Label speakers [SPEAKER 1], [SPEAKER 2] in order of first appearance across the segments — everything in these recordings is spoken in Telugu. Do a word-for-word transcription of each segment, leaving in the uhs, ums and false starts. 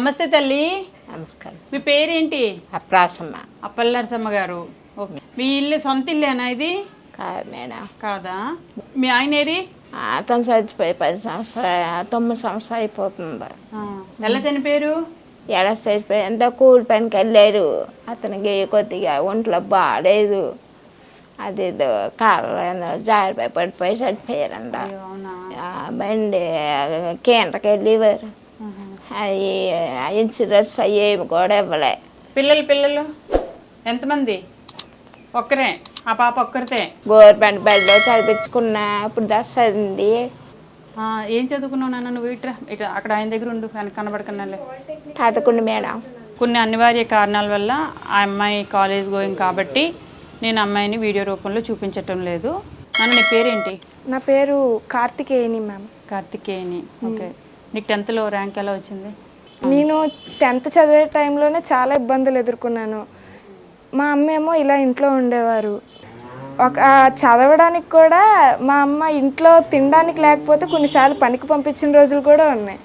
[SPEAKER 1] నమస్తే తల్లి.
[SPEAKER 2] నమస్కారం.
[SPEAKER 1] మీ పేరేంటి?
[SPEAKER 2] అప్రాసమ్మ.
[SPEAKER 1] అప్పల్ నరసమ్మ గారు. ఓకే, మీ ఇల్లు సొంత ఇల్లేనా ఇది?
[SPEAKER 2] కాదు మేడం.
[SPEAKER 1] కాదా? మీ ఆయన ఏరి?
[SPEAKER 2] అతను చచ్చిపోయి పది సంవత్సరాలు తొమ్మిది సంవత్సరాలు అయిపోతుంది.
[SPEAKER 1] ఎలా చనిపోయారు?
[SPEAKER 2] ఎడ చచ్చిపోయి ఎంత కూలి పనికి వెళ్ళారు. అతనికి కొద్దిగా ఒంట్లో బాగాలేదు. అది కాళ్ళ జారిపోయి పడిపోయి చచ్చిపోయారంట. బండి కేంద్రకి వెళ్ళేవారు. అవి ఇన్సూరెన్స్ అయ్యేవి కూడా ఇవ్వలే.
[SPEAKER 1] పిల్లలు పిల్లలు ఎంతమంది? ఒక్కరే? ఆ పాప ఒక్కరితే?
[SPEAKER 2] గవర్నమెంట్ బడిలో చదివించుకున్నా. ఇప్పుడు దశ చదివింది.
[SPEAKER 1] ఏం చదువుకున్నావు నాన్న నువ్వు? ఇట్రా ఇట్లా అక్కడ ఆయన దగ్గర ఉండు, ఆయన కనబడకన్నాలే.
[SPEAKER 2] పదకొండు మేడం.
[SPEAKER 1] కొన్ని అనివార్య కారణాల వల్ల ఆ అమ్మాయి కాలేజ్ గోయింగ్ కాబట్టి నేను అమ్మాయిని వీడియో రూపంలో చూపించటం లేదు. నాన్న నీ పేరేంటి?
[SPEAKER 3] నా పేరు కార్తికేయని మ్యామ్.
[SPEAKER 1] కార్తికేయని. ఓకే, నీకు టెన్త్లో ర్యాంక్ ఎలా వచ్చింది?
[SPEAKER 3] నేను టెన్త్ చదివే టైంలోనే చాలా ఇబ్బందులు ఎదుర్కొన్నాను. మా అమ్మ ఏమో ఇలా ఇంట్లో ఉండేవారు. ఒక చదవడానికి కూడా మా అమ్మ ఇంట్లో తినడానికి లేకపోతే కొన్నిసార్లు పనికి పంపించిన రోజులు కూడా ఉన్నాయి.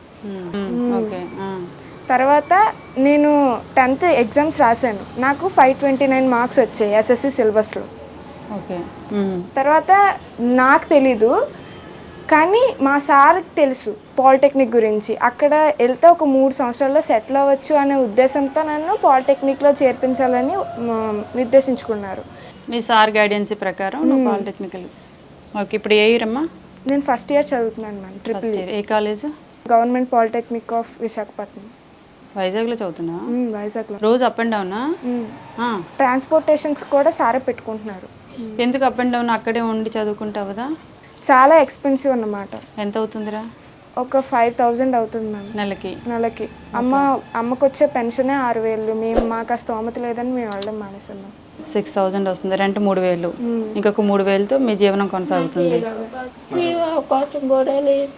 [SPEAKER 3] తర్వాత నేను టెన్త్ ఎగ్జామ్స్ రాశాను. నాకు five twenty nine marks SSC ఎస్ఎస్సి సిలబస్లో.
[SPEAKER 1] ఓకే,
[SPEAKER 3] తర్వాత నాకు తెలీదు కానీ మా సార్కి తెలుసు పాలిటెక్నిక్ గురించి. అక్కడ వెళ్తే ఒక మూడు సంవత్సరాల్లో సెటిల్ అవ్వచ్చు అనే ఉద్దేశంతో నన్ను పాలిటెక్నిక్లో చేర్పించాలని నిర్దేశించుకున్నారు.
[SPEAKER 1] మీ సార్ గైడెన్స్ ప్రకారం నువ్వు పాలిటెక్నికల్. ఓకే, ఇప్పుడు ఏ ఇయర్ అమ్మా?
[SPEAKER 3] నేను ఫస్ట్ ఇయర్ చదువుతున్నాను మ్యామ్. Triple year.
[SPEAKER 1] ఏ college?
[SPEAKER 3] Government polytechnic of Visakhapatnam.
[SPEAKER 1] వైజాగ్లో చదువుతున్నా?
[SPEAKER 3] వైజాగ్లో.
[SPEAKER 1] రోజు అప్ అండ్ డౌనా?
[SPEAKER 3] ట్రాన్స్పోర్టేషన్స్ కూడా సారే పెట్టుకుంటున్నారు.
[SPEAKER 1] ఎందుకు అప్ అండ్ డౌన్? అక్కడే ఉండి చదువుకుంటావుదా?
[SPEAKER 3] చాలా ఎక్స్పెన్సివ్ అన్నమాట.
[SPEAKER 1] ఎంత అవుతుందిరా?
[SPEAKER 3] ఒక ఫైవ్ థౌజండ్ అవుతుంది మ్యామ్
[SPEAKER 1] నెలకి.
[SPEAKER 3] నెలకి. అమ్మ అమ్మకు వచ్చే పెన్షనే ఆరు వేలు. మేము మాకు ఆ స్తోమత లేదని మేము వెళ్ళడం మానేసాం.
[SPEAKER 1] సిక్స్ థౌజండ్ వస్తుంది. రెంట్ మూడు వేలు. ఇంకొక మూడు వేలతో మీ జీవనం కొనసాగుతుంది.
[SPEAKER 2] అవకాశం కూడా లేదు.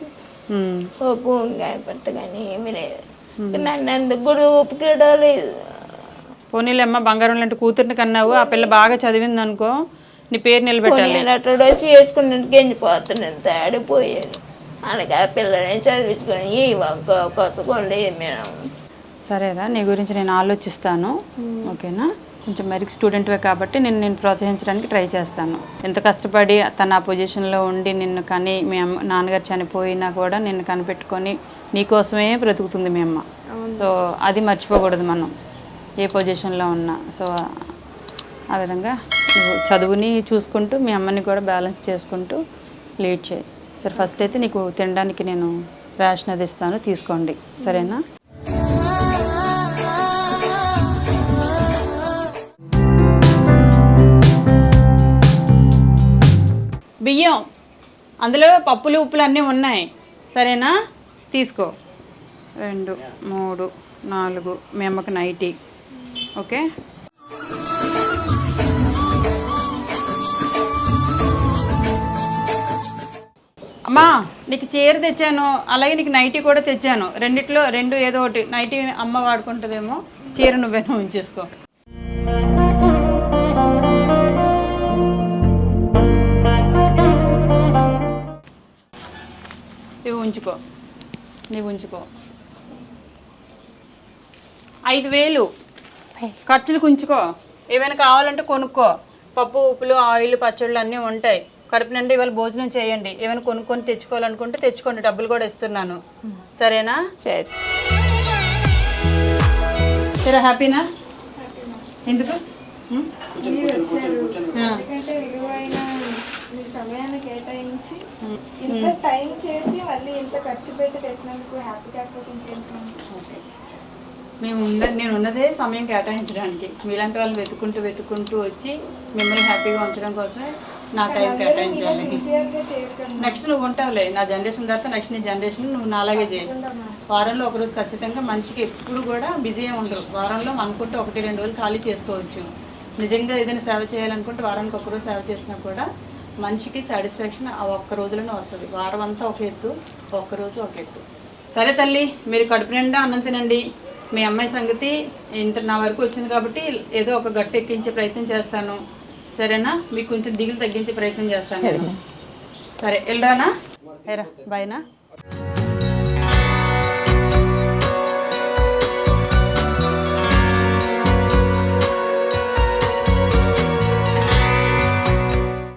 [SPEAKER 2] భూమి కానీ ఏమి లేదు. నన్ను ఎందుకు కూడా ఒప్పుకోవడం లేదు.
[SPEAKER 1] పోనీలేమ్మ, బంగారం లాంటి కూతుర్ని కన్నావు. ఆ పిల్ల బాగా చదివింది అనుకో, నీ పేరు నిలబెట్టాలి.
[SPEAKER 2] అట్లా వచ్చి వేసుకున్నట్టు గెంజిపోతున్నాను. తాడిపోయాను. అందుకే ఆ పిల్లని చదివించుకొని ఈ కొసకోండి మేము.
[SPEAKER 1] సరేరా, నీ గురించి నేను ఆలోచిస్తాను. ఓకేనా? కొంచెం మెరిట్ స్టూడెంట్వే కాబట్టి నేను నేను ప్రోత్సహించడానికి ట్రై చేస్తాను. ఎంత కష్టపడి తన ఆ పొజిషన్లో ఉండి నిన్ను కానీ మీ అమ్మ నాన్నగారు చనిపోయినా కూడా నిన్ను కనిపెట్టుకొని నీకోసమే బ్రతుకుతుంది మీ అమ్మ. సో అది మర్చిపోకూడదు మనం ఏ పొజిషన్లో ఉన్నా. సో ఆ విధంగా నువ్వు చదువుని చూసుకుంటూ మీ అమ్మని కూడా బ్యాలెన్స్ చేసుకుంటూ లీడ్ చేయి. సరే, ఫస్ట్ అయితే నీకు తినడానికి నేను రేషన్ అది ఇస్తాను, తీసుకోండి. సరేనా? బియ్యం అందులో పప్పులు ఉప్పులు అన్నీ ఉన్నాయి. సరేనా? తీసుకో. రెండు మూడు నాలుగు మీ అమ్మకి నైటీ. ఓకే, అమ్మా నీకు చీర తెచ్చాను, అలాగే నీకు నైటీ కూడా తెచ్చాను. రెండిట్లో రెండు ఏదో ఒకటి. నైటీ అమ్మ వాడుకుంటుందేమో, చీర నువ్వేనో ఉంచేసుకో. ఇవి ఉంచుకో, నీవు ఉంచుకో. ఐదు వేలు ఖర్చులకు ఉంచుకో. ఏమైనా కావాలంటే కొనుక్కో. పప్పు ఉప్పులు ఆయిల్ పచ్చళ్ళు అన్నీ ఉంటాయి. కడుపు నుండి ఇవాళ భోజనం చేయండి. ఏమైనా కొనుక్కొని తెచ్చుకోవాలనుకుంటే తెచ్చుకోండి, డబ్బులు కూడా ఇస్తున్నాను. సరేనా? సరే, హ్యాపీనా? ఎందుకు?
[SPEAKER 3] సమయాన్ని కేటాయించి ఇంత టైం చేసి మళ్ళీ ఇంత ఖర్చు పెట్టి తెచ్చినందుకు హ్యాపీ కాకపోతే ఇంకేంటి?
[SPEAKER 1] మేము ఉన్న నేను ఉన్నదే సమయం కేటాయించడానికి. మీలాంటి వాళ్ళు వెతుకుంటూ వెతుకుంటూ వచ్చి మిమ్మల్ని హ్యాపీగా ఉంచడం కోసమే నా టైం కేటాయించాలి. నెక్స్ట్ నువ్వు ఉంటావులే నా జనరేషన్ తర్వాత. నెక్స్ట్ నీ జనరేషన్ నువ్వు నాలాగే చేయి. వారంలో ఒకరోజు ఖచ్చితంగా మనిషికి ఎప్పుడు కూడా బిజీ ఉండరు. వారంలో అనుకుంటే ఒకటి రెండు రోజులు ఖాళీ చేసుకోవచ్చు. నిజంగా ఏదైనా సేవ చేయాలనుకుంటే వారానికి ఒకరోజు సేవ చేసినా కూడా మనిషికి సాటిస్ఫాక్షన్ ఆ ఒక్క రోజులోనే వస్తుంది. వారం అంతా ఒక ఎత్తు, ఒక్కరోజు ఒక ఎత్తు. సరే తల్లి, మీరు కడుపు నిండా అన్నం తినండి. మీ అమ్మాయి సంగతి ఇంత నా వరకు వచ్చింది కాబట్టి ఏదో ఒక గట్టు ఎక్కించే ప్రయత్నం చేస్తాను. సరేనా? మీకు కొంచెం దిగులు తగ్గించే ప్రయత్నం చేస్తాను. సరే, వెళ్ళరానా? ఏరా బాయ్నా?